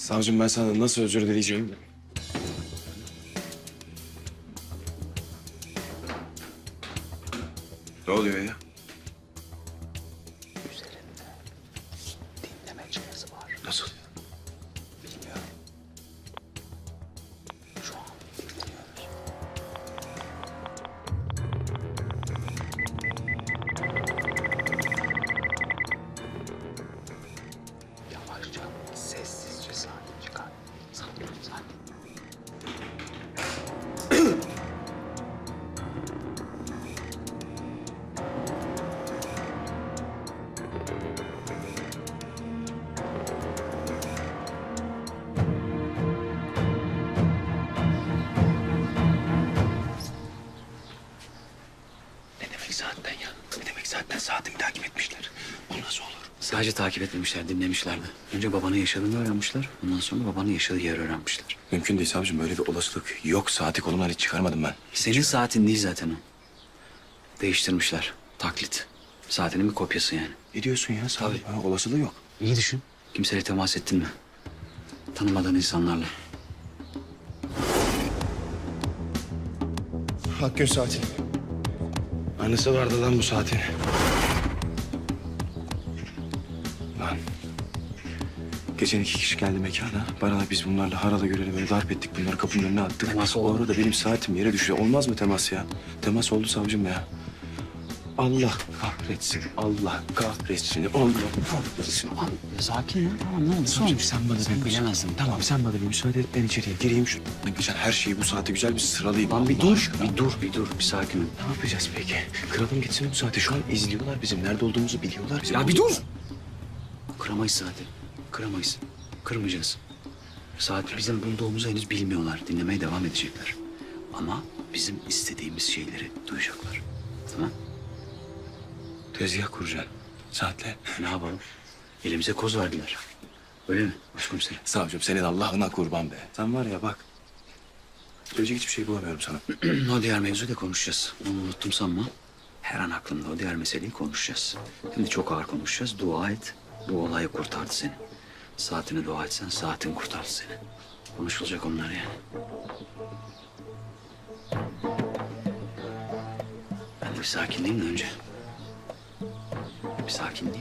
Savcım ben sana nasıl özür dileyeceğim? Ne oluyor ya? Üzerinde dinleme cihazı var. Nasıl? Bilmiyorum. Şu an dinliyoruz. Yavaşça, sessizce sakin çıkar. Sakin, sakin. Ne demek saatten ya? Ne demek saatten saatimi takip etmişler? Bu nasıl olur? Sadece takip etmemişler, dinlemişlerdi. Önce babanın yaşadığını öğrenmişler. Ondan sonra babanın yaşadığı yeri öğrenmişler. Mümkün değil savcım. Böyle bir olasılık yok. Saati kolumdan hiç çıkarmadım ben. Senin saatin değil zaten o. Değiştirmişler. Taklit. Saatinin bir kopyası yani. Ne diyorsun ya savcım? Ha, olasılığı yok. İyi düşün. Kimseyle temas ettin mi? Tanımadığın insanlarla. Hakkın saati. Anısı vardı lan bu saatin. Lan. Geçen 2 kişi geldi mekana. Bana da biz bunlarla harala göreli böyle darp ettik. Bunları kapının önüne attık. Temas O oldu mu? arada benim saatim yere düştü. Olmaz mı temas ya? Temas oldu savcım ya. Allah kahretsin. Allah kahretsin. Allah kahretsin. Tamam, sakin ya. Tamam, ne oldu? Savcım sen bana Sen bir bilemezsin. Tamam sen bana bir müsaade et. Ben içeriye gireyim şu. Geçen her şeyi bu saate güzel bir sıralayayım. Lan bir Allah dur, aşkına. bir dur. Bir sakin ol. Ne yapacağız peki? Kıralım gitsin bu saate. Şu an izliyorlar bizim. Nerede olduğumuzu biliyorlar. Bizim Ya bir dur! Kıramayız saati. Kıramayız. Kırmayacağız. Saat bizim bulduğumuzu henüz bilmiyorlar. Dinlemeye devam edecekler. Ama bizim istediğimiz şeyleri duyacaklar. Tamam? Tezgah kuracaksın. Saatle. Ne yapalım? Elimize koz verdiler. Öyle mi başkomiserim? Savcım senin Allah'ına kurban be. Sen var ya bak. Söyleyecek hiçbir şey bulamıyorum sana. O diğer mevzuyu da konuşacağız. Onu unuttum sanma. Her an aklımda o diğer meseleyi konuşacağız. Şimdi çok ağır konuşacağız. Dua et. Bu olayı kurtardı seni. Saatini dua etsen saatin kurtardı seni. Konuşulacak onlar yani. Ben de bir sakinleyeyim de önce. Bir sakinleyeyim.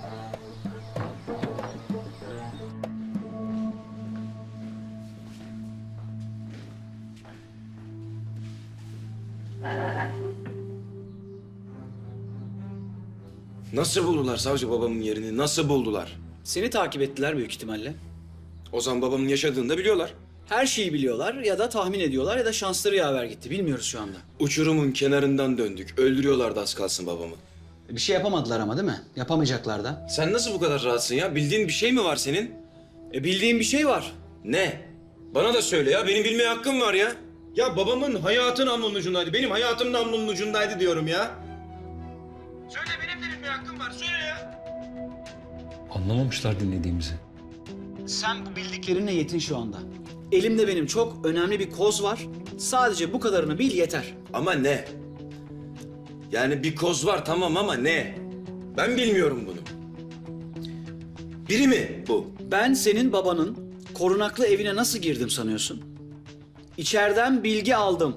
Nasıl buldular savcı babamın yerini? Nasıl buldular? Seni takip ettiler büyük ihtimalle. Ozan babamın yaşadığını da biliyorlar. Her şeyi biliyorlar ya da tahmin ediyorlar ya da şansları yaver gitti. Bilmiyoruz şu anda. Uçurumun kenarından döndük. Öldürüyorlardı az kalsın babamı. Bir şey yapamadılar ama değil mi? Yapamayacaklar da. Sen nasıl bu kadar rahatsın ya? Bildiğin bir şey mi var senin? Bildiğim bir şey var. Ne? Bana da söyle ya. Benim bilmeye hakkım var ya. Ya babamın hayatı namlunun ucundaydı. Benim hayatım namlunun ucundaydı diyorum ya. Söyle benim de bilmeye hakkım var. Söyle ya. Anlamamışlar dinlediğimizi. Sen bu bildiklerinle yetin şu anda. Elimde benim çok önemli bir koz var. Sadece bu kadarını bil yeter. Ama ne? Yani bir koz var tamam ama ne? Ben bilmiyorum bunu. Biri mi bu? Ben senin babanın korunaklı evine nasıl girdim sanıyorsun? İçeriden bilgi aldım.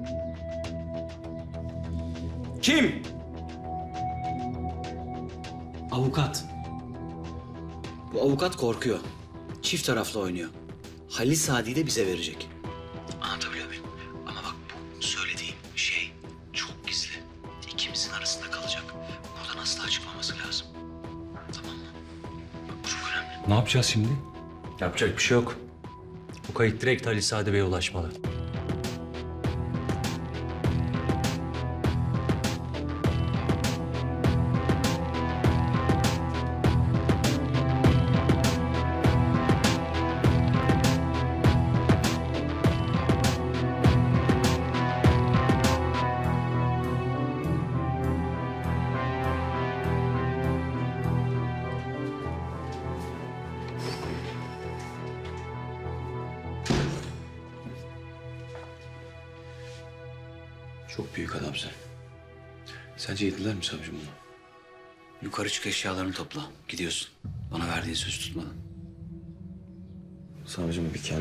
Kim? Avukat. Bu avukat korkuyor. Çift taraflı oynuyor. Halil Sadi'yi de bize verecek. Anlatabiliyor muyum? Ama bak bu söylediğim şey çok gizli. İkimizin arasında kalacak. Buradan asla çıkmaması lazım. Tamam mı? Bak bu çok önemli. Ne yapacağız şimdi? Yapacak bir şey yok. Bu kayıt direkt Ali Sadi Bey'e ulaşmalı. Çok büyük adamsın. Sence yediler mi savcım bunu? Yukarı çık eşyalarını topla. Gidiyorsun. Bana verdiğin sözü tutmadın. Savcım bir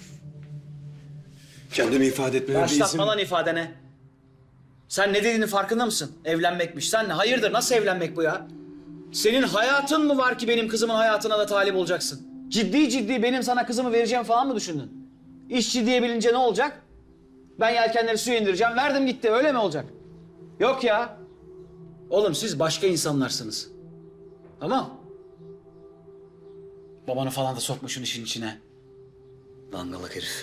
kendimi ifade etmeme bir izin... Başlatma lan ifadene. Sen ne dediğinin farkında mısın? Evlenmekmiş. Sen ne? Hayırdır? Nasıl evlenmek bu ya? Senin hayatın mı var ki benim kızımın hayatına da talip olacaksın? Ciddi ciddi benim sana kızımı vereceğim falan mı düşündün? İş ciddiye bilince ne olacak? Ben yelkenleri suya indireceğim. Verdim gitti. Öyle mi olacak? Yok ya. Oğlum siz başka insanlarsınız. Tamam. Babanı falan da sokma şunun işin içine. Dangalak herif.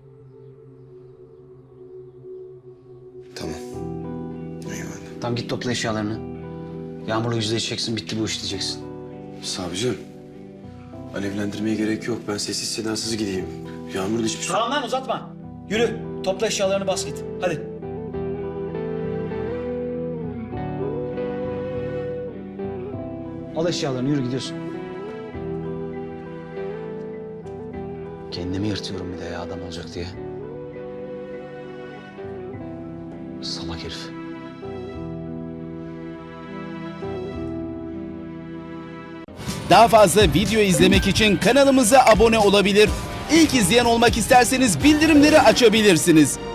Tamam. Eyvallah. Tamam git topla eşyalarını. Yağmur'la yüzleşeceksin. Bitti bu iş diyeceksin. Savcım, alevlendirmeye gerek yok. Ben sessiz sedasız gideyim. Yağmur'da hiçbir şey... Tamam lan uzatma. Yürü. Topla eşyalarını bas git. Hadi. Al eşyalarını yürü gidiyorsun. Kendimi yırtıyorum bir de ya adam olacak diye. Salak herif. Daha fazla video izlemek için kanalımıza abone olabilir. İlk izleyen olmak isterseniz bildirimleri açabilirsiniz.